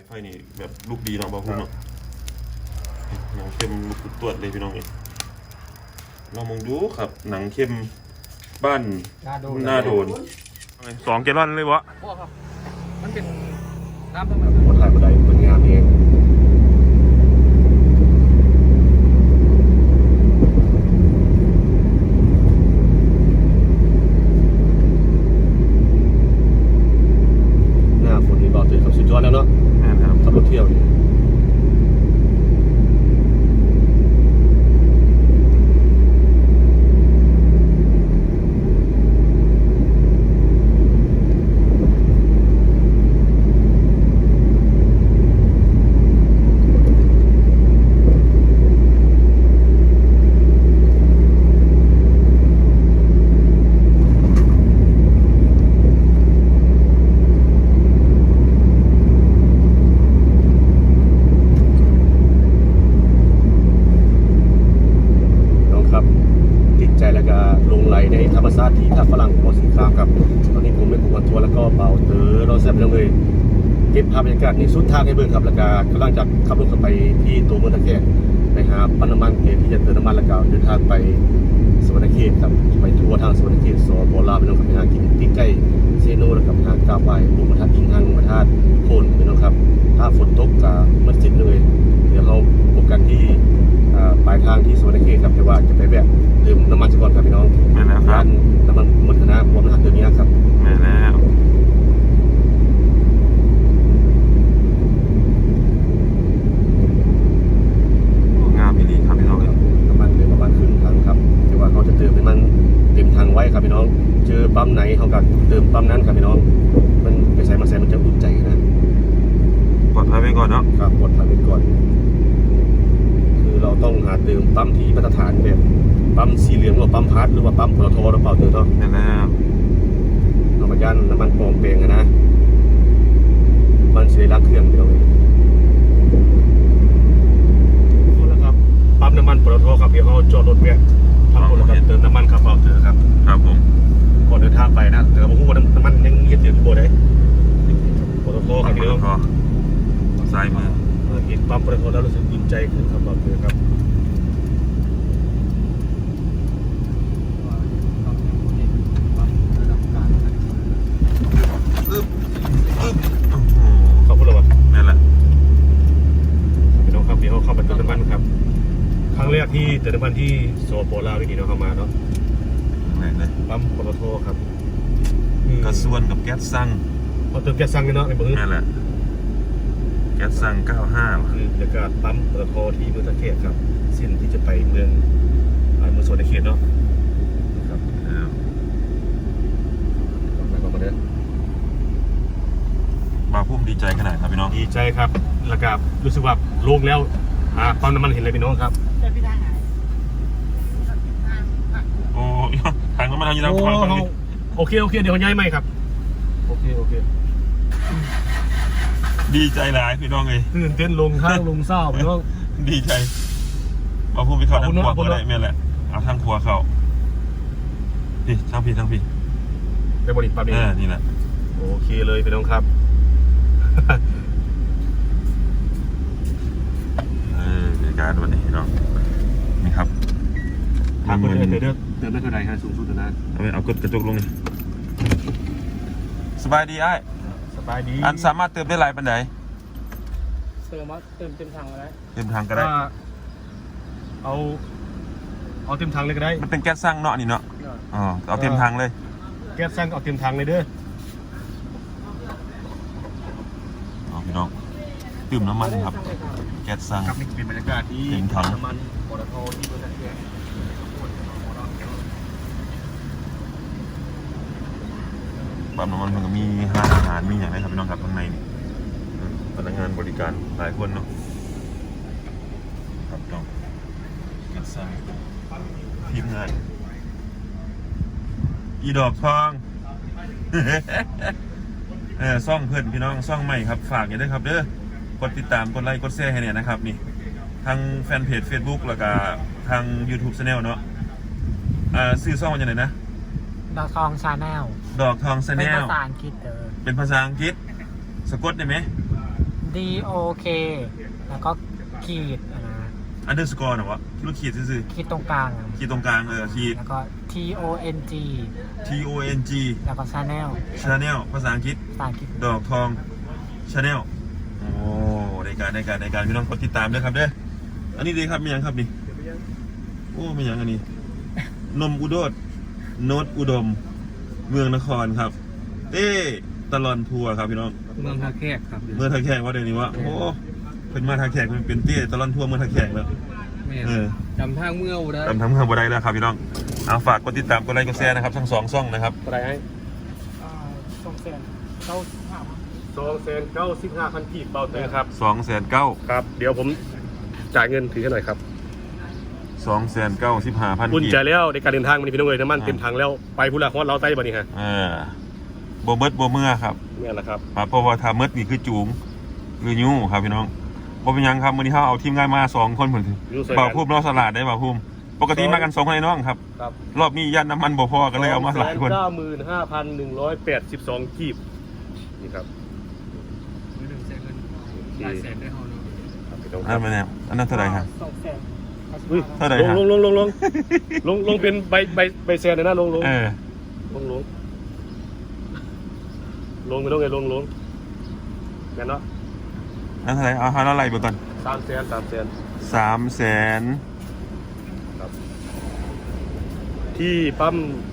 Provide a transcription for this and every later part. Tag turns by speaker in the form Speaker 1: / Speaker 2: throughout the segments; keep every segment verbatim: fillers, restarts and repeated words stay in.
Speaker 1: ไฟนี่แบบลูกดีเนาะบ่าวพุ่มเนาะหนังเข้มลูกตรวจเลยพี่น้องเองลองมองดูครับหนังเข้มบ้านหน้าโดนสองแกลลอนเลยวะ
Speaker 2: พ่อครับมันเป็นน้ำต้มแบบ
Speaker 3: คนถ่ายบันไดคนงามเองหน้าฝนนี่บอกเลยครับสุดยอดแล้วเนาะขับรถเที่ยวนี่ธรรมชาติที่ท่าฝรั่งโพสีครามครับตอนนี้ผมเป็นผู้คนทัวร์แล้วก็เบาเตอร์เราแซ่บไปเลยเก็บภาพบรรยากาศในสุดทางให้เบิ่งครับแล้วก็กำลังจะขับรถไปที่ตัวเมืองตะแกรงไปหาปั๊มน้ำมันเกที่จะเติมน้ำมันแล้วก็เดินทางไปสวรรณเขตครับไปทัวร์ทางสวรรณเขตสปลาวไปน้องกับไปหากินที่ใกล้เซโนแล้วกับหากาบายบุญมาทัดอิงหังมาทัดโคนไปน้องครับถ้าฝนตกก็มืดสิ้นเลยเดี๋ยวเราพบกันที่ปลายทางที่สวรรณเขตครับแต่ว่าจะไปแบบเติมน้ำมันก่อนครับพี่น้อง
Speaker 1: แม่แล้วครับ
Speaker 3: น้ำมันมุดคณะพวกอาหารตัวนี้ครับ
Speaker 1: แม่แล้วงามดีครับพี่น้อง
Speaker 3: น้ำมันเลยประมาณครึ่งถังครับแต่ว่าเขาจะเติมให้มันเต็มถังไว้ครับพี่น้องเจอปั๊มไหนเขาก็เติมปั๊มนั้นครับพี่น้องมันไปใส่มาใส่มันจะอุ่นใจนะ
Speaker 1: ปลอดภัยไว้ก่อนเนาะ
Speaker 3: ครับปลอดภัยไว้ก่อนคือเราต้องหาเติมปั๊มที่มาตรฐานแบบปั๊มสีเหลืองหรือว่าปั๊มพัดหรือว่าปั๊มปตทหรือเปล่าเติมเนาะ
Speaker 1: นั่นแล้ว
Speaker 3: เอามายันน้ำมันปลอมแปลงนะมันเสียรักเครื่องเดียวเลยแล้วครับปั๊มน้ำมันปตทครับเดี๋ยวเขาจอดรถแวะทำคนละกันเติมน้ำมันครับเปล่าเติมครับ
Speaker 1: ครับผม
Speaker 3: ก่อนเดินทางไปนะแต่ผมพูดว่าน้ำมันยังเย็นอยู่ที่โบได้ปตทครับเดี๋ยว
Speaker 1: ซ้ายมือ
Speaker 3: เห็นปั๊มปตทแล้วรู้สึกอุ่นใจขึ้นครับเปล่าเติมครับเขาพูดอะไรวะ
Speaker 1: นั่นแหละ
Speaker 3: พี่น้องครับเดี๋ยวเขาเข้าไปเติมน้ำมันครับครั้งแรกที่เติมน้ำมันที่สปลาวนี่เนาะเข้ามาเนาะ
Speaker 1: ไหนเลย
Speaker 3: ปั๊มปตทครับ
Speaker 1: กระส่วนกับแก๊สซัง
Speaker 3: พอเติมแก๊สซังเนาะในเบอร์
Speaker 1: นั่นแหละแก๊สซังเก้าห้า
Speaker 3: คือบรรยากาศปั๊มปตทที่เมืองตะเกียบครับเส้นที่จะไปเมืองเมืองโซนตะเกียบเนาะครับไปก่อนมาเด้อ
Speaker 1: บ่าวพุ่มดีใจขนาดครับพี่น้อง
Speaker 3: ดีใจครับแล้วก็รู้สึกว่าโล่งแล้วอ่าปั๊มน้ำมันเห็นเลยพี่น้องครับ
Speaker 1: โอ้ทางน้ำมันทางยี่ห้อฝั่งนี้
Speaker 3: โอเคโอเคเดี๋ยวย้ายใหม่ครับโอเคโอเค
Speaker 1: ดีใจหลายพี่น้องเลย
Speaker 3: ตื่นเต้นลงข้างลงเศร้าพี่น้อง
Speaker 1: ดีใจบ่าวพุ่มไปถอดทางขวาก็ได้แม่แหละเอาทางขวาเข้าพี่ทางพี่ทางพี่
Speaker 3: ไปบริษัทปั๊มนี่
Speaker 1: นี่แหละ
Speaker 3: โอเคเลยพี่น้องครับ
Speaker 1: เออในการวันนี้เนาะนี่ครับ
Speaker 3: ทางคนเดินเดินเดินได้เท่าไหร่ฮะสูงสุดนะ
Speaker 1: เอาไปเอากดกระจกลงนี่สบายดีไอ้
Speaker 3: สบายดี
Speaker 1: อันสามารถเติมได้หลายปันไหน
Speaker 2: เติมเติมเต็มถังก็ได้
Speaker 1: เต็มถังก็ได้
Speaker 3: เอาเอาเต็มถังเลยก็ได้
Speaker 1: มันเป็นแก๊สซังเนาะนี่เนาะอ๋อเอาเต็มถังเลย
Speaker 3: แก๊สซังเอาเต็มถังเลยเด้อ
Speaker 1: พี่น้องดื่มน้ำมันครับแก๊สซัง
Speaker 3: ครับนี่เป็นบรรยากาศที่น้ำมันปตทที่เมืองตะเกียบ
Speaker 1: ปั๊มน้ำมันมันก็มีห้างอาหารมีอย่างไรครับพี่น้องครับข้างในนี่พนักงานบริการหลายคนเนาะครับน้องแก๊สซังทีมงานอีดอกทองเออซ่องเพื่อนพี่น้องซ่องใหม่ครับฝากอย่าด้วยครับเด้อกดติดตามกดไลค์กดแชร์ให้เนี่ยนะครับนี่ทางแฟนเพจ Facebook แล้วก็ทาง YouTube Channel เนาะอ่าซื้อซ่องมันยังไงนะ
Speaker 2: ดอกทองชาแนล
Speaker 1: ดอกทองชาแนล
Speaker 2: เป็นภาษาอังกฤษเด้อ
Speaker 1: เป็นภาษาอังกฤษสะกดได้ไหม
Speaker 2: ด D O K แล้วก็ขีดนะ
Speaker 1: อันเดอร์สกอร์นะวะลูกขีดซื่อ
Speaker 2: ขีดตรงกลางอะ
Speaker 1: ๆขีดตรงกลางเออขีด
Speaker 2: แล้วก็ T O N G
Speaker 1: T O N G
Speaker 2: แล้วก็ Channel
Speaker 1: Channel ภาษาอังกฤษ
Speaker 2: ภาษาอังกฤษ
Speaker 1: ดอกทอง Channel โอ้ในการในการในการพี่น้องกดติดตามด้วยครับเด้ออันนี้ดีครับมีอย่างครับนี่โอ้มีอย่างอันนี้ นมอุดมโนดอุดม เมืองนครครับเต้ตลอนทัวร์ครับพี่น้อง
Speaker 2: เมืองท่าแขกครับ
Speaker 1: เมืองท่าแขกว่าเดี๋ยวนี้วะโอ้เป็นมาท่าแขกมันเป็นเต้ตลอนทัวร์เมืองท่าแขกแล้วเออ
Speaker 2: จำทางเมืองได้
Speaker 1: ทำทำเมืองบ่ได้แล้วครับพี่น้องเอาฝากกดติดตามกดไลค์กดแชร์นะครับทั้งสองช่องนะครับ
Speaker 3: อะไรให้
Speaker 2: สองแสนเก้าถาม
Speaker 3: สองแสนเก้าสิบห้าพันกีบเบาเตอร์ครับ
Speaker 1: สองแสนเก้า
Speaker 3: ครับเดี๋ยวผมจ่ายเงินถือให้หน่อยครับ
Speaker 1: สองแสนเก้าสิบห้าพัน
Speaker 3: อุ่นใจแล้วในการเดินทางมันพี่น้องเลยน้ำมันเต็มถังแล้วไปพุทธาฮอดเราใต้บ่นี่ฮะ
Speaker 1: เออโบเบิร์ตโบเมื่อครับ
Speaker 3: นี่แหละครับ
Speaker 1: ครับเพราะว่าทาเมิร์ดนี่คือจูงหรือยูครับพี่น้องบ่เป็นหยังครับวันนี้เขาเอาทีมงานมาสองคนเหมือนบ่าวพุ่มนอกสลัดได้บ่าวพุ่มปกติมากันสองคนไอ้น้องครับ
Speaker 3: ครับ
Speaker 1: รอบนี้ยันน้ำมันบ่พอกันเลยเอามาหลายคน
Speaker 3: เก้าหมื่นห้าพันหนึ่งร้อยแปดสิบสองกีบนี่ครับ
Speaker 2: มือหนึ่งแสนเงินหลายแสนได้เฮาเนาะ
Speaker 3: ครับพี่น้องค
Speaker 1: อัน
Speaker 3: รับ
Speaker 1: นั้นเป็นไงอันนั้นเท่าไหร่ครับ
Speaker 2: สองแสน
Speaker 3: อุ้ย
Speaker 1: เท่าไหร่
Speaker 3: ลง
Speaker 1: ครับ
Speaker 3: ลงลงลงลงลงลงเป็นใบใบใบแซนเลยนะลงลง
Speaker 1: เออ
Speaker 3: ลงลงลงไปลงไงลงลงแม่นเนาะ
Speaker 1: อันเท่าไหร่เอาเอาอะไรเบิ่งก่อน
Speaker 3: สามแสนสามแสน
Speaker 1: สามแสน
Speaker 3: ครับที่ปั๊ม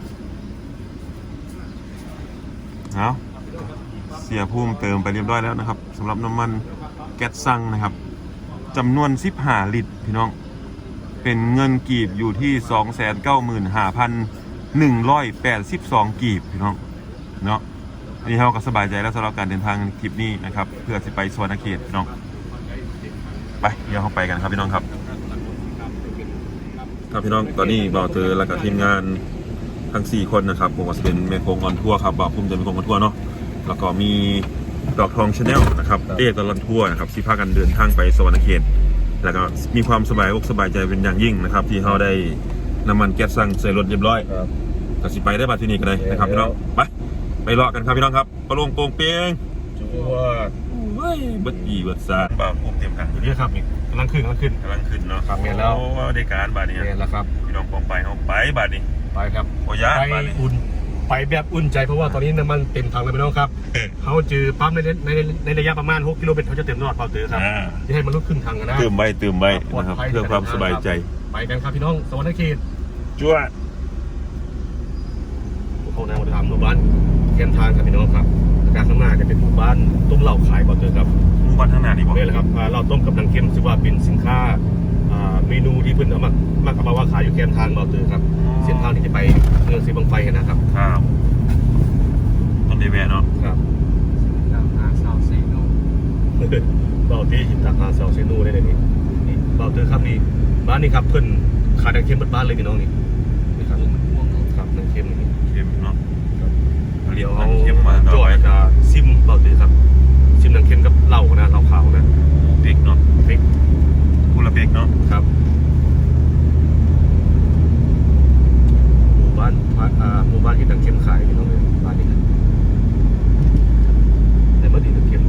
Speaker 1: เอาเสียพุ่มเติมไปเรียบร้อยแล้วนะครับสำหรับน้ำมันแก๊สซังนะครับจำนวนสิบห้าลิตรพี่น้องเป็นเงินกีบอยู่ที่ สองแสนเก้าหมื่นห้าพันหนึ่งร้อยแปดสิบสอง กีบพี่น้องเนาะอันนี้เราก็สบายใจแล้วสำหรับการเดินทางทริปนี้นะครับเพื่อจะไปสวรรณเขตพี่น้องไปเดี๋ยวเข้าไปกันครับพี่น้องครับครับพี่น้องตอนนี้บ่าวเตอแล้วก็ทีมงานทั้งสี่คนนะครับผมก็จะเป็นเมโคงออนทัวร์ครับบ่าวพุ่มจะเมโคงออนทัวร์เนาะแล้วก็มีดอกทองชาแนลนะครับเต้ตลอดทัวร์นะครับที่พากันเดินทางไปสวรรณเขตแล้วก็มีความสบายอกสบายใจเป็นอย่างยิ่งนะครับที่เขาได้น้ำมันแก๊สซังใส่รถเรียบร้อย
Speaker 3: ครับ
Speaker 1: ก็สิไปได้บัดที่นี่กันเลยนะครับพี่น้องไปไปเลาะกันครับพี่น้องครับปลงโป่งเปียง
Speaker 3: จั่ว
Speaker 1: เฮ้ยเบิดอีเบิดซาบ่าวพุ่มเตรียมถังอยู่
Speaker 3: นี่ครับนี่กำลังขึ้นกำลังขึ้น
Speaker 1: กำลังขึ้นเนาะ
Speaker 3: ครับเห็นแล้ว
Speaker 1: โอ้ได้การบาดนี้
Speaker 3: นี่แหละครับ
Speaker 1: พี่น้องปองไปเขาไปบาดนี้
Speaker 3: ไปครับ
Speaker 1: โอ้ยะ
Speaker 3: ไป
Speaker 1: บาดนี้
Speaker 3: อุ่นไปแบบอุ่นใจเพราะว่าตอนนี้น้ำมันเต็มถังเลยพี่น้องครับเขาเจอปั๊มในในในระยะประมาณหกกิโลเมตรเขาจะเต็มตลอดเปล่าเตอครับ
Speaker 1: อ่า
Speaker 3: จะให้มันลุกขึ้นถังกันนะ
Speaker 1: ตื่มไว้ตื่มไว้นะครับเพื่อความสบายใจ
Speaker 3: ไปกันครับพี่น้องสวรรณเขต
Speaker 1: จ้ว
Speaker 3: เข้าแนวทางหมู่บ้านเทียมทางครับพี่น้องครับการข้างหน้าจะเป็นหมู่บ้านต้มเหล้าขายเปล่าเตอครับ
Speaker 1: หมู่บ้านข้างหน้านี่บอก
Speaker 3: นี่แหละครับอ่าเหล้าต้มกับนางเค็มถือว่าเป็นสินค้าอ่าเมนูที่เพิ่นเอามามาเอามาว่าขายอยู่แคมทางเปล่าเตอครับเส้นทางที่จะไปเมืองสีบังไฟกันนะครับ
Speaker 1: ครับต้นเดแวะเนาะ
Speaker 3: ครับ
Speaker 2: ดาวหาสาวเซโน
Speaker 3: เบาตีหินตาคาเซลเซนูได้เลยนี่นี่เบาเตอร์ครับนี่บ้านนี้ครับเพิ่นขายนางเค็มเบิดบ้านเลยพี่น้องนี่นี่ครับ
Speaker 2: ม่วง
Speaker 3: ครับนางเค็มนี่
Speaker 1: เค็มเนาะ
Speaker 3: เดี๋ยว
Speaker 1: น้ำเค็มมาต่
Speaker 3: จ
Speaker 1: อ
Speaker 3: อ
Speaker 1: ไป
Speaker 3: ยจะซิมเบาเตอร์ครับซิมนางเค็มกับเหล้านะเหล้าขาวนะ
Speaker 1: เบกเนาะ
Speaker 3: พริก
Speaker 1: กุละเบกเนาะ
Speaker 3: ครับหมู่บ้านอ่าหมู่บ้านที่นางเค็มขายพี่น้องเลยบ้านนี้นะแต่เมื่อดีนางเค็ม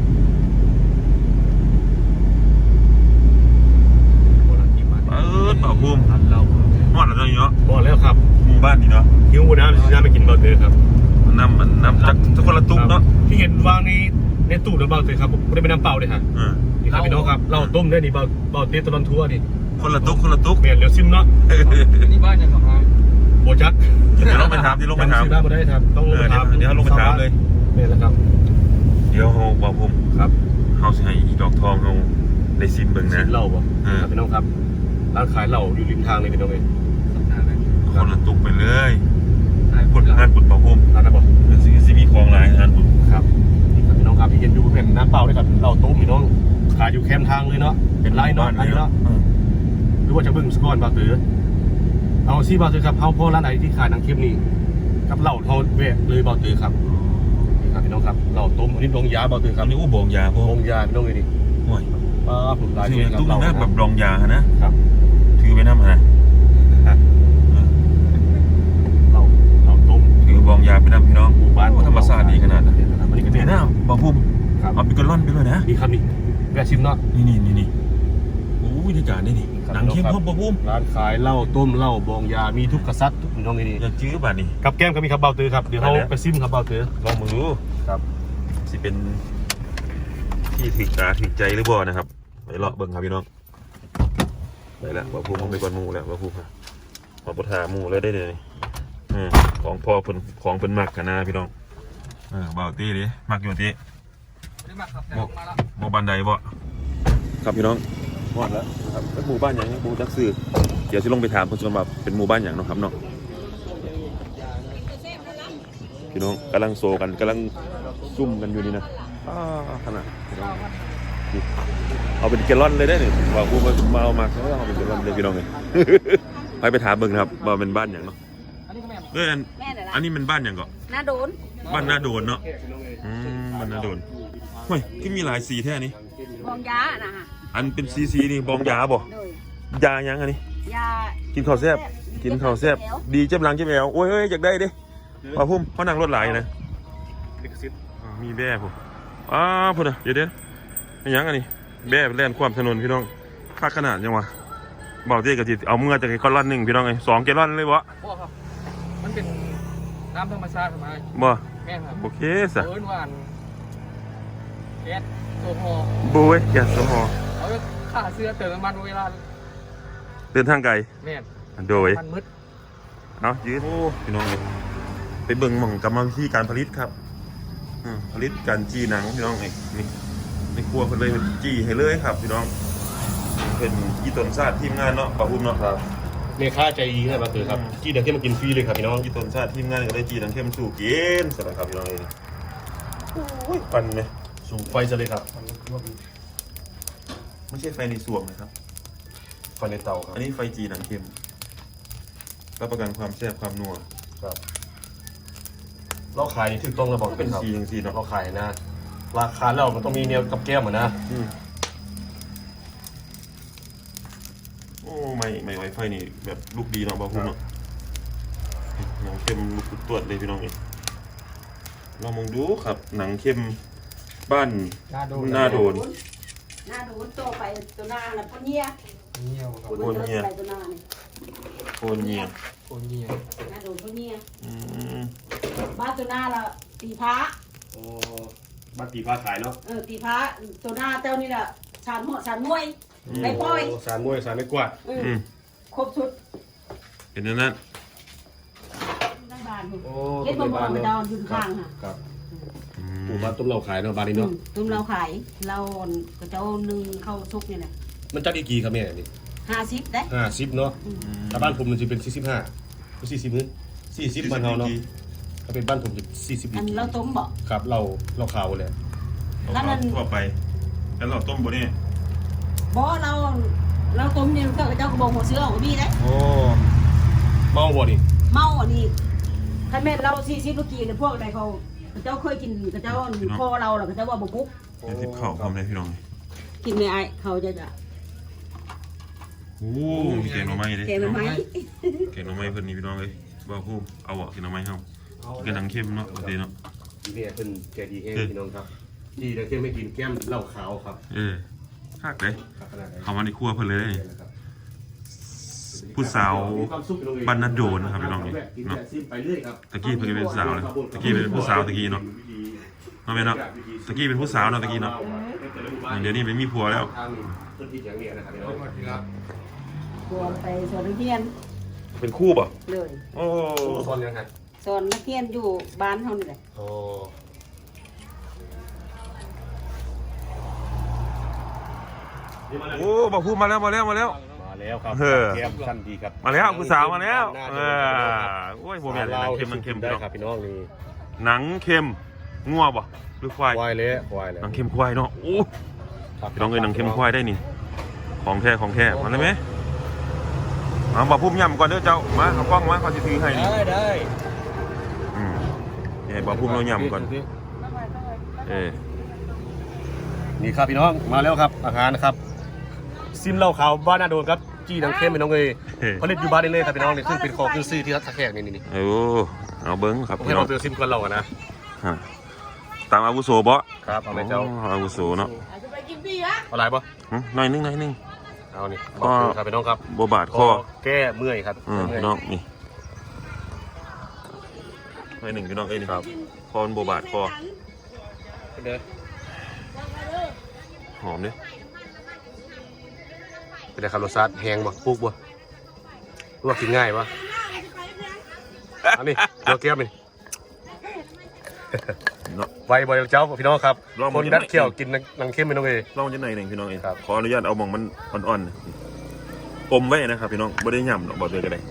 Speaker 3: โบราณกี่บาท
Speaker 1: เออเป่าภูมิ
Speaker 3: พันเหล้า
Speaker 1: หอดแล้วเนาะ
Speaker 3: พอแล้วครับ
Speaker 1: หมู่บ้านนี่เนาะ
Speaker 3: หิวน้ำซื้อน้ำไปกินเบาเตอร์ครับ
Speaker 1: น้ำมันน้ำจักจักคนละตุ๊กเนาะ
Speaker 3: ที่เห็นวางในในตู้นะเบาเตอร์ครับไม่ได้เป็นน้ำเปล่าเลยฮะ
Speaker 1: เออ
Speaker 3: นี่ครับพี่น้องครับเราต้มได้นี่เบาเบาเตอร์ตลอดทัวร์นี่
Speaker 1: คนละตุ๊กคนละตุ๊ก
Speaker 3: เปลี่ยนเดี๋ยวซิมเนาะ
Speaker 2: นี่บ้านยังของเรา
Speaker 3: โบจัก
Speaker 1: เดี๋ยวลงไปถามที่ลงไปถาม
Speaker 3: ซื้อน้ำมาได้ครับต้องลง
Speaker 1: เอ
Speaker 3: ไป
Speaker 1: อ
Speaker 3: ถาม
Speaker 1: เดี๋ยวเขาลงไปถามเลย
Speaker 3: เนี่ยแหละครับ
Speaker 1: เดี๋ยวเขาบอกผม
Speaker 3: ครับ
Speaker 1: เขาสิให้อีดอกทองเขาได้ซิมเบิ่ง
Speaker 3: ซิ
Speaker 1: นะ
Speaker 3: มเหล้าบ่
Speaker 1: เออ
Speaker 3: ครับพี่น้องครับร้านขายเหล้าอยู่ริมทางเลยพี่น้องเอง
Speaker 2: สัปดาห์นั้น
Speaker 1: คนละตุ๊กไปเลย
Speaker 2: ถ่าย
Speaker 1: ปุ่น
Speaker 2: หลั
Speaker 1: งานปุ่นเป่าภูมิ
Speaker 3: ร้านนะบ่
Speaker 1: เดี๋ยวสิสิมีของหลายงานปุ่น
Speaker 3: ครับนี่ครับพี่น้องครับที่เห็นอยู่เป็นน้ำเปล่าด้วยครับเหล้าต้มพี่น้องขายอยู่แคมป์ทางเลยเนาะเป็นไร่เนาะอันนี้เนาะ
Speaker 1: เออ
Speaker 3: หรือว่าจะเบิ่งสกอนบาเตอร์เอาซี่บาเตอร์ครับเอาพ่อร้านไหนที่ขายหนังเค็มนี่กับเหล้าเขาแวะเลยบาเตอร์ครับนี่ครับพี่น้องครับเหล้าต้มอันนี้ลงยาบาเตอร์
Speaker 1: ค
Speaker 3: ค
Speaker 1: รั
Speaker 3: รั
Speaker 1: บบ นี่อู้บองยาพวก
Speaker 3: ลงยาพี่น้องเลยดิ
Speaker 1: โอ้ย
Speaker 3: ป้าผมลาย
Speaker 1: ซื้อ
Speaker 3: นี่
Speaker 1: ตุ๊กนึงนะแบบ
Speaker 3: เห
Speaker 1: ร
Speaker 3: ล้า
Speaker 1: องยาฮะนะ
Speaker 3: ครับ
Speaker 1: ถือไว้น้ำฮะนะเออ
Speaker 3: เหล้าเหล้าต้ม
Speaker 1: ถือบองยาไปน้ำพี่น้อง
Speaker 3: หมู่บ้าน
Speaker 1: โอ้ธรรมศาสตร์ดีขนาดนั้น
Speaker 3: อันนี้ก็
Speaker 1: เดี๋
Speaker 3: เนี่ย
Speaker 1: วย นะบอกภูมิ
Speaker 3: ครับ
Speaker 1: เอาเป็นกระล่อนไปเลยนะ
Speaker 3: นี่ครับนี่แวะชิมเนาะ
Speaker 1: นี่นี่นี่นี่โอ้ยที่จานนี่นี่หนังเข้มพร้อมบ่พุ่ม
Speaker 3: ร้านขายเหล้าต้มเหล้าบองยามีทุกกษัตริย์ทุกน้องนี่
Speaker 1: อยากจื้อป่ะนี่
Speaker 3: กับแก้มก็มีครับเบาตือครับเดี๋ยวเขา
Speaker 1: ไปแล้ว
Speaker 3: ไปซิมครับเบาตือ
Speaker 1: ลองมือดู
Speaker 3: ครับ
Speaker 1: สิเป็นที่ถึกตาถึกใจหรือบ่นะครับไปเลาะเบิ่งครับพี่น้องไปละบ่พุ่มไปก่อนหมู่แล้วบ่พุ่มครับขอประทาหมู่เลยได้เลยเออของพ่อเพิ่นของเพิ่นมักกันนะพี่น้องเออเบาตี้ดิมักอยู่ตี้
Speaker 2: ได้มาครับแต่ลงมาแล้ว
Speaker 1: โมบันไดบ่ครับพี่น้องหอดแล้วครับเป็นหมู่บ้านอย่างนี้หมู่จักซื้อเดี๋ยวจะลงไปถามคนชนแบบเป็นหมู่บ้านอย่างเนาะครับเนาะพี่น้องกำลังโซกันกำลังซุ่มกันอยู่นี่นะอ้าขนาดพี่น้องนี่เอาเป็นแกลลอนเลยได้หนึ่งว่าพูดมาเอามาเขาเอาเป็นแกลลอนเลยพี่น้องเลย ไปไปถามเบิ่งครับว่าเป็นบ้านอย่างเนาะ
Speaker 2: อันนี้ก็แม่
Speaker 1: เอออัน
Speaker 4: แม่เดี๋ยว
Speaker 1: อัน
Speaker 4: นะ
Speaker 1: นี้เป็นบ้านอย่างก็
Speaker 4: หน้าโดน
Speaker 1: บ้านหน้าโดนเนาะอืมบ้านหน้าโดนเฮ้ยก็มีหลายสีแท้นี้
Speaker 4: บองยานะฮะ
Speaker 1: อันเป็นซีซีนี่บองยาบ่
Speaker 4: โดย
Speaker 1: ยายังอันนี้
Speaker 4: ยา
Speaker 1: กินข้าวแซ่บกินข้าวแซ่บดีเจ็บหลังเจ็บแอวโอ้ยเอ้ยอยากได้ดิป่าพุ่มเขานั่งรถหลายนะ
Speaker 3: ลิขสิทธิ์
Speaker 1: อ่ามีแบ่ผมอ้าวพุ่นอ่ะเดี๋ยวเดี๋ยวอันยังอันนี้แบ่แล่นความถนนพี่น้องค่าขนาดยังวะเบาเตี้ยกับจิเอาเมื่อจากไอ้ก้อนล่อนหนึ่งพี่น้องไอ้สองแกลลอนเลยวะ
Speaker 2: พ่อครับมันเป็นน้ำธรรมชาติมา
Speaker 1: บ่
Speaker 2: แม่ครับ
Speaker 1: โอเคสะ
Speaker 2: เอิ้นหวานแก๊สโซฮอล์
Speaker 1: บุ้ยแกสมอ
Speaker 2: เอาไปฆ่าเสื้อเติมน้ำมันเวลา
Speaker 1: เดินทางไกล
Speaker 2: แม่น
Speaker 1: โดย
Speaker 2: มันมืด
Speaker 1: เอายืดโอ้พี่น้องเลยไปเบิ่งหม่องกรรมวิธีการผลิตครับอืมผลิตการจีหนังพี่น้องไอ้นี่ในครัวเพิ่นเลยจีให้เลยครับพี่น้องเป็นอีต้นซาดทีมงานเนาะป่าพุ่มเนาะ
Speaker 3: ครับเมค่าใจดีนะเบาตือครับกี้เดี๋ยวที่มากินฟรีเลยครับพี่น้อง
Speaker 1: อีต้นซาดทีมงานก็ได้จีหนังเข้มสู่กินสำหรับครับพี่น้องเอ้ยโอ้ยปันไหม
Speaker 3: สูงไฟจะเลยครับ
Speaker 1: ไม่ใช่ไฟในสวมนะครับ
Speaker 3: ไฟในเตาครับ
Speaker 1: อันนี้ไฟจีหนังเข้มรับประกันความแซ่บความนัว
Speaker 3: ครับเราขายนี่ถูกต้องระบอก
Speaker 1: เป็น
Speaker 3: ครับ
Speaker 1: ซีอย่างซีเนาะ
Speaker 3: เราขายนะ ราคาแล้วมันต้องมีแนวกับแก้มเหมือนนะ
Speaker 1: อืมโอ้ไม่ไม่ไวไฟนี่แบบลูกดีเนาะบ่าวพุ่มเนาะหนังเข้มลูกตรวจเลยพี่น้องเองเรามองดูครับ หนังเข้มบ้าน
Speaker 2: หน้าโดน
Speaker 1: หน้าโดน
Speaker 4: หน้าโดนโตไปตัวหน้าน่ะปนเนีย
Speaker 2: เงี้ยวครับ
Speaker 1: ปนเนีย
Speaker 4: ไปตัวหน้านี่
Speaker 1: โคนเงีย
Speaker 2: โคนเงี้ยว
Speaker 4: หน้าโดนปนเนีย
Speaker 1: อืม
Speaker 4: บ้านตัวหน้าละตีพระ
Speaker 3: โอ้บัตรตีผ้าขายเนาะ
Speaker 4: เออตีพระตัวหน้าเจ้านี่แหละชานหัวชานมวยไปปล่อย
Speaker 3: โสารมวยสารไม่กวาด
Speaker 4: เออ
Speaker 1: อืม
Speaker 4: ครบชุด
Speaker 1: เป็นอย่างนั้น
Speaker 4: ทั้งบ้านนี่
Speaker 3: โอ้
Speaker 4: เฮ็ดบ่มองไปดอนอยู่ข้างค่ะ
Speaker 3: ครับ
Speaker 1: อื
Speaker 3: หมู่
Speaker 1: ม
Speaker 3: บ้านต้มเหล้าขายเนาะบ้านนี้เนาะ
Speaker 4: ตุ้มเราขายเราก็เจ้าหนึ่งเข้าซุกนี่แหละ
Speaker 3: มันจัดอีกกี่ครับแม่นี่
Speaker 4: ห้าสิบได้
Speaker 3: ห้าสิบเนาะ
Speaker 4: อืม
Speaker 3: ถ้าบ้านผมมันจะเป็นสี่สิบห้าสี่สิบมื้อสี่สิบบ้านเราเนาะถ้าเป็นบ้านผมจะสี่สิบ
Speaker 4: อันเราต้มบ่
Speaker 3: ครับเราเราขาวเลย
Speaker 1: เอาเข้าทั่วไปแล้วเราต้มบนนี่
Speaker 4: บ่เราเราต้มนี่เจ้าเจ้าก็บอกหัวเสือของพี่ได้
Speaker 3: โอ้เมาบ่นี่
Speaker 4: เมาอันนี้ถ้าแม่นเราสี่สิบลูกกี้เนี่ยพวกใดเขาเจ้าเคยกินกับเจ้าพ่อเราหรอกเจ้าว่าบ่ปุ๊บ
Speaker 1: เดี๋ยวทิพเข่าพร้อมเลยพี่น้อง
Speaker 4: กินในไอเขาจะจะ
Speaker 1: โอ้มีแกงหน่อไม้เลย
Speaker 4: เกมไหม
Speaker 1: แกงหน่อไม้เพิ่นนี่พี่น้องเลยบ่าวพุ่มเอาอ่ะแกงหน่อไม้เฮาแกงหนังเข้มเนาะปกติเนาะ
Speaker 3: เนี่ยเป็นแกดีแห้งพี่น้องครับดีแต่เที่ยงไม่กินแก้มเหล้าขาวครับ
Speaker 1: เออฮักเลย
Speaker 3: ครับขนาดไหน
Speaker 1: เข้ามาในครัวเพิ่นเลย
Speaker 3: นะครับ
Speaker 1: ผู้สาว
Speaker 3: มีความสุขพี่องเอง
Speaker 1: บ้านนาโดนนะครับพี่น้องนี่
Speaker 3: กิน
Speaker 1: เนาะ
Speaker 3: แต่ซิมไปเรื่อยครับ
Speaker 1: ตะกี้เพิ่นก็เป็นสาวเลยตะกี้เป็นผู้สาวตะกี้เนาะเนาะแม่เนาะตะกี้เป็นผู้สาวเนาะตะกี้เนาะเดี๋ยวนี้เป็นมีผัวแล้ว
Speaker 3: ทางต้นที่อย่างเนี้ยนะครับพี่น้อง
Speaker 4: ตัวไปสอนนักเรียน
Speaker 1: เป็นคู่ป่ะ
Speaker 4: เลย
Speaker 1: โอ้
Speaker 3: ตอนยังไง
Speaker 4: สอนนักเรียนอยู่บ้านเขานี่แหละ
Speaker 3: โอ้
Speaker 1: โอ้บ่าวพุ่มมาแล้วมาแล้วมาแล้ว
Speaker 3: มาแล้วครับ
Speaker 1: เออ
Speaker 3: แก้มสั้นดีครับ
Speaker 1: มาแล้วผู้สาวมาแล้วเอ
Speaker 3: เอ
Speaker 1: อโอ้ยบ่แม่นหนังเค็มหนังเค็ม
Speaker 3: ได้
Speaker 1: พี่น้อง
Speaker 3: ครับพี่น้องนี่
Speaker 1: หนังเค็มงัวบ่หรือควาย
Speaker 3: ควายเลยควายเลย
Speaker 1: หนังเค็มควายเนาะโอ้
Speaker 3: ครับ
Speaker 1: พี่น้องเอ้ยหนังเค็มควายได้นี่ของแท้ของแท้มาเลยไหมมาบ่าวพุ่มย่ำก่อนเด้อเจ้ามาเอากล้องมาก่อนสิถือให้นี่
Speaker 3: ได้ได้
Speaker 1: อืมนี่บ่าวพุ่มเราย่ำก่อนเออ
Speaker 3: นี่ครับพี่น้องมาแล้วครับอาหารนะครับซิมเหล้าขาวบ้านนาโดนครับจี้หนังเข้มพี่น้องเอ้ยผลิตอยู่บ้านได้เลยครับพี่น้องนี่ซึ่งเป็นของคือซื้อที่รัฐแขกนี่นี่
Speaker 1: โอ้เอาเบิ้งครับ
Speaker 3: ผม
Speaker 1: พี่
Speaker 3: ให้
Speaker 1: น้อ
Speaker 3: เรา
Speaker 1: ง
Speaker 3: เจอซิมก่อนเราอะนะ
Speaker 1: ฮะตามอาวุโสบ่
Speaker 3: ครับเอาไหมเจ้า
Speaker 1: อ๋ออาวุโสเนาะ
Speaker 4: จะไปกินพี่ฮะ
Speaker 3: เอาอะไรปะ
Speaker 1: หึหน่อยนึงหน่อยนึง
Speaker 3: เอานี่บอกเลยครับพี่น้องครับ
Speaker 1: บ่บาดคอ
Speaker 3: แก้เมื่อยครับ
Speaker 1: อืม
Speaker 3: เมื่อย
Speaker 1: พี่น้องนี่หน่อยหนึ่งพี่น้องเอ้ยนี่ครับคอมันบ่บาดคอ
Speaker 3: เด้อ
Speaker 1: หอมเด้อ
Speaker 3: เป็นไงครับรสชาติแห้งบ่ปลูกบ่ลวกกินง่ายปะอันนี้เดี๋ยวเกี๊ยวนี่
Speaker 1: เนาะ
Speaker 3: ไวบ่อยเจ้าพี่น้องครับ
Speaker 1: ลอง
Speaker 3: ค
Speaker 1: มาน กิน
Speaker 3: ดัดเขี้ยวกินหนังเข้มพี่น้องเอ้ย
Speaker 1: ลองจังหน่อยหนึ่งพี่น้องเอ้ย
Speaker 3: ครับ
Speaker 1: ขออนุญาตเอาหมองมันอ่อนๆอมไว้นะครับพี่น้องบ่ได้ย่ำหรอกบอกเลยก็ได้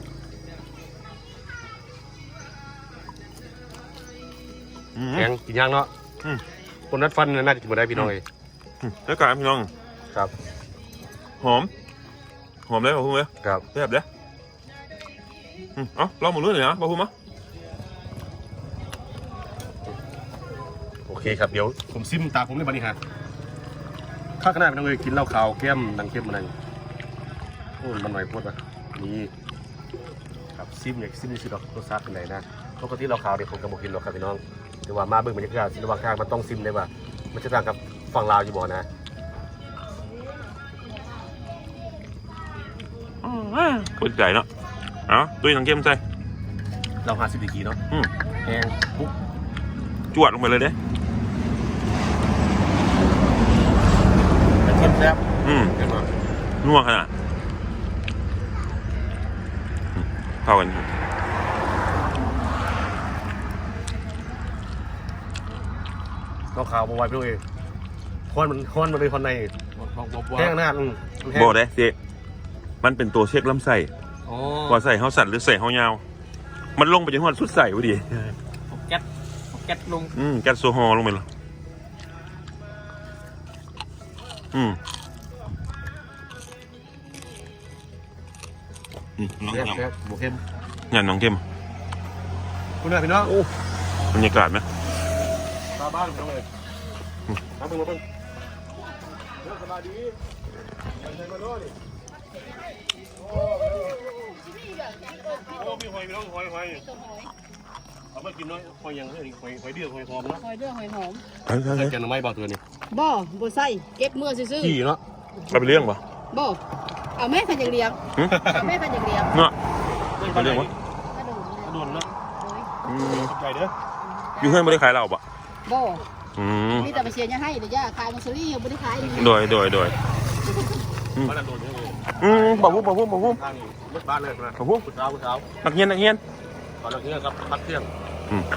Speaker 1: อืม
Speaker 3: แห้งกินย่างเนาะ
Speaker 1: อืม
Speaker 3: คนนัดฟันน่าจะกินบ่ได้พี่น้องเอ้ย
Speaker 1: อืมแล้วการพี่น้อง
Speaker 3: ครับ
Speaker 1: หอมหอมเลยบ่พูดเลย
Speaker 3: ครับ
Speaker 1: แซ่บเด้ออืมเอ้าลองหมดเลยนะบ่พูดมั้ย
Speaker 3: โอเคครับเดี๋ยวผมซิมตาผมในบันนี้ฮะข้าขนาดพี่น้องเอ้ยกินเหล้าขาวแก้มหนังเข้มมันนั่นโอ้มันหน่อยโพดว่ะนี่ครับซิมอยากซิมนี่สิดอกรสชาติเป็นไงนะปกติเหล้าขาวเนี่ยผมก็บ่กินหรอกครับพี่น้องแต่ว่ามาเบิ่งบรรยากาศศิลปะข้างมันต้องซิมได้ว่ามันจะต่างกับฝั่งลาวอยู่บ่นะ
Speaker 1: ปวดใจเนาะเอ้าตุ้ยน้ำเค็มใส่
Speaker 3: เราหาสิบดีกีเนาะ
Speaker 1: อืม
Speaker 3: แห้งปุ๊บ
Speaker 1: จวดลงไปเลยเด้
Speaker 3: แต่เข้มแซ่บ
Speaker 1: อืม
Speaker 3: เห็นไหม
Speaker 1: นัวขนาดอืมเข้ากัน
Speaker 3: เราขาวบวายพี่น้องเองคอนมันคอนมันเลยคอนใน
Speaker 2: บอกบอกว่า
Speaker 3: แห้งหน้าอืมมันแห้ง
Speaker 1: บอกได้สิมันเป็นตัวเช็คลำไส้
Speaker 2: อ๋อ
Speaker 1: ว่าใส่เฮาสั่นหรือใส่เฮายาว มันลงไปจนหัวสุดใส่พอดี
Speaker 2: แก๊สแก๊สลง
Speaker 1: อืมแก๊สโซฮอลลงไปเลยอืมอืมน้อง
Speaker 3: แซ่บ
Speaker 1: ยำ
Speaker 3: แซ่บหมูเข้ม
Speaker 1: ยำน้องเข้ม
Speaker 3: คุณนะพี่น้องโอ้
Speaker 1: บรรยากาศไหม
Speaker 3: ตาบ้านพี่น้องเลยมาเบิ่งมาเบิ่งเรื่องสบายดีใส่มาโน่ดิโอ้โอ้มีหอยพี่น้องหอยหอยเอามากินน้อยหอยยังเฮ้ยหอยหอยเดือดหอยหอมนะ
Speaker 4: หอยเดือหอยหอม
Speaker 1: เฮ้ยเฮ้ย
Speaker 3: ใส่
Speaker 1: เฮ้ย
Speaker 3: แกงหน่อไม้บางตัวนี่
Speaker 4: บ่บ่ใส่เก็บเมื่อซื่อ
Speaker 3: ขี่เนาะ
Speaker 1: เอาไปเลี้ยงปะ
Speaker 4: ๆบ่เอาแม่พันอย่างเดียว
Speaker 1: หึ
Speaker 4: เอาแม่พันอย่างเดียว
Speaker 1: เนาะไปเลี้ยงวะ
Speaker 4: กระโดด
Speaker 3: กระโดดเนาะ
Speaker 1: อืม
Speaker 3: ใหญ่เด้อ
Speaker 1: อยู่เพื่อนไม่ได้ขายเราปะ
Speaker 4: บ่
Speaker 1: อืม
Speaker 4: มีแต่ไปเชียร์ยังให้เดี๋ยวย่าขายมังสวิรัติบ่ได้ขายเลย
Speaker 1: โดยโดยโดย
Speaker 3: มันกระโดดเนี่ยเลย
Speaker 1: อืมบอกพูดบอกพูดบอกพูด
Speaker 3: ทางรถบ้านเลยนะ
Speaker 1: บอกพูด
Speaker 3: คุณสาวคุณสาว
Speaker 1: นักเรียนนักเรียน
Speaker 3: ตอนนี้ครับพักเที่ยง
Speaker 1: อืม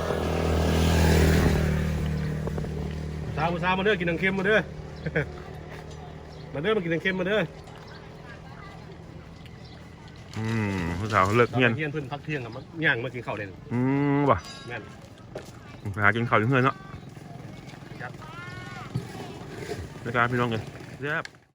Speaker 3: สาวคุณสาวมาเด้อกินหนังเค็มมาเด้อ มาเด้อมากินหนังเค็มมาเด้อ
Speaker 1: อืมผู้สาวเลิกเรียน
Speaker 3: เที่ยงเพิ่นพักเที่ยงครับมาย่างมากินข้าวเลย
Speaker 1: อืมว่ะ
Speaker 3: แม่น
Speaker 1: ไปหากินข้าวอยู่เพื่อนเนาะรายการพี่น้องเลยแซ่บ